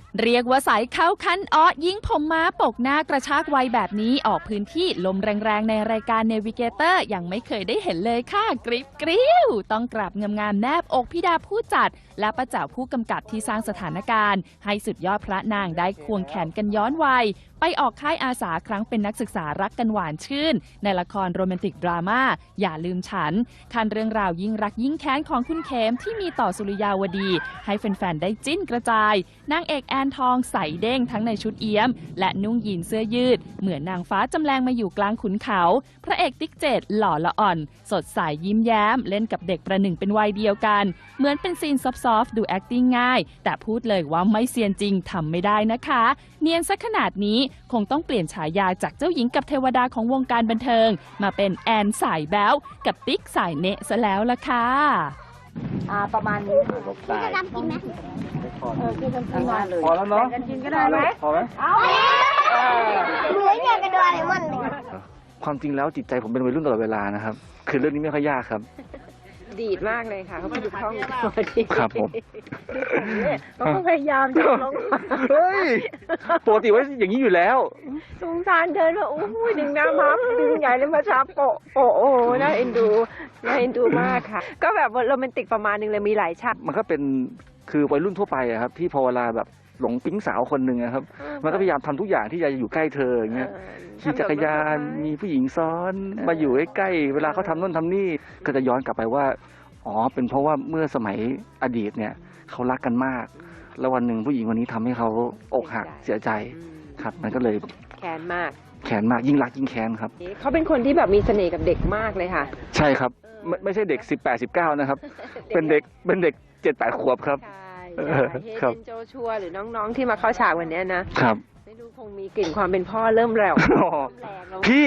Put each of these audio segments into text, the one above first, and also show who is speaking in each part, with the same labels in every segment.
Speaker 1: เรียกว่าสายเข้าคันอ้อยิงผมม้าปกหน้ากระชากวัยแบบนี้ออกพื้นที่ลมแรงๆในรายการเนวิเกเตอร์ยังไม่เคยได้เห็นเลยค่ะกริ๊บกริ้วต้องกราบงามๆแนบอกพี่ดาผู้จัดและป้าแจ๋วผู้กำกับที่สร้างสถานการณ์ให้สุดยอดพระนางได้ควงแขนกันย้อนวัยไปออกค่ายอาสาครั้งเป็นนักศึกษารักกันหวานชื่นในละครโรแมนติกดราม่าอย่าลืมฉันคันเรื่องราวยิ่งรักยิ่งแค้นของคุณเขมที่มีต่อสุริยาวดีให้แฟนๆได้จิ้นกระจายนางเอกแอนทองใส่เด้งทั้งในชุดเอี้ยมและนุ่งยีนเสื้อยืดเหมือนนางฟ้าจำแรงมาอยู่กลางขุนเขาพระเอกติ๊กเจดหล่อละอ่อนสดใสยิ้มแย้มเล่นกับเด็กประหนึ่งเป็นวัยเดียวกันเหมือนเป็นซีนซอฟต์ๆดู acting ง่ายแต่พูดเลยว่าไม่เซียนจริงทำไม่ได้นะคะเนียนซะขนาดนี้คงต้องเปลี่ยนฉายาจากเจ้าหญิงกับเทวดาของวงการบันเทิงมาเป็นแอนสายแบ๊วกับติ๊กสายเนะซะแล้วล่ะค่ะ
Speaker 2: ประมาณนี้พี่จะดำกินไหมกินกันกินมาเลยพอแล้วเนาะกันกินก็ได้ไหมพอไหมเอาเหมือนอยากกระโดดอะไรมัน
Speaker 3: ความจริงแล้วจิตใจผมเป็นวัยรุ่นตลอดเวลานะครับคือเรื่องนี้ไม่ค่อยยากครับ
Speaker 4: ดีดมากเลยค่ะเขาพูดคล่อง
Speaker 3: ครับผม
Speaker 4: เขาพยายามจะลง
Speaker 3: เฮ้ยปกติว่าอย่างนี้อยู่แล้ว
Speaker 4: สงสารเดินว่าโอ้ยดึงน้ำพับดึงใหญ่เลยมาช้าโปะโอ้น่าเอ็นดูมากค่ะก็แบบโรแมนติกประมาณนึงเลยมีหลายฉาก
Speaker 3: มันก็เป็นคือวัยรุ่นทั่วไปอะครับที่พอเวลาแบบหลงปิ๊งสาวคนหนึ่งครับมันก็พยายามทำทุกอย่างที่จะอยู่ใกล้เธออย่างเงี้ยขี่จักรยานมีผู้หญิงซ้อนมาอยู่ใกล้เวลาเขาทำนู่นทำนี่ก็จะย้อนกลับไปว่าอ๋อเป็นเพราะว่าเมื่อสมัยอดีตเนี่ยเขารักกันมากแล้ววันหนึ่งผู้หญิงคนนี้ทำให้เขาอกหักเสียใจครับมันก็เลย
Speaker 4: แค้นมาก
Speaker 3: ยิ่งรักยิ่งแค้นครับ
Speaker 4: เขาเป็นคนที่แบบมีเสน่ห์กับเด็กมากเลยค่ะ
Speaker 3: ใช่ครับไม่ใช่เด็ก18-19นะครับเป็นเด็ก7-8 ขวบครับ
Speaker 4: เฮเดนโจชัวหรือน้องๆที่มาเข้าฉากวันนี้นะครับไม่รู้คงมีกลิ่นความเป็นพ่อเริ่มแรง
Speaker 3: พี่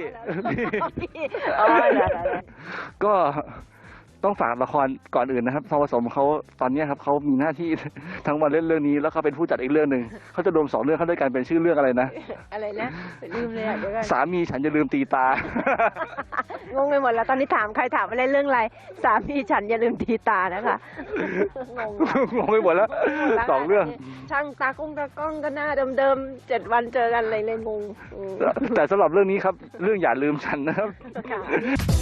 Speaker 3: ก็ต้องฝากละครก่อนอื่นนะครับทองผสมเขาตอนนี้ครับเขามีหน้าที่ทั้งวันเล่นเรื่องนี้แล้วเขาเป็นผู้จัดอีกเรื่องหนึ่งเขาจะรวม2 เรื่องเข้าด้วยกันเป็นชื่อเรื่องอะไรนะ
Speaker 4: ลืมเลยอ่ะเดี๋ยวกัน
Speaker 3: สามีฉันอย่าลืมตีตา
Speaker 4: งงไปหมดแล้วตอนนี้ถามใครถามว่าเล่นเรื่องอะไรสามีฉันอย่าลืมตีตานะคะ
Speaker 3: งงไปหมดแล้ว2 เรื่อง
Speaker 4: ช่างตากล้องก็หน้าเดิมๆ7 วันเจอกันอะไรเลยงง
Speaker 3: แต่สำหรับเรื่องนี้ครับเรื่องอย่าลืมฉันนะครับ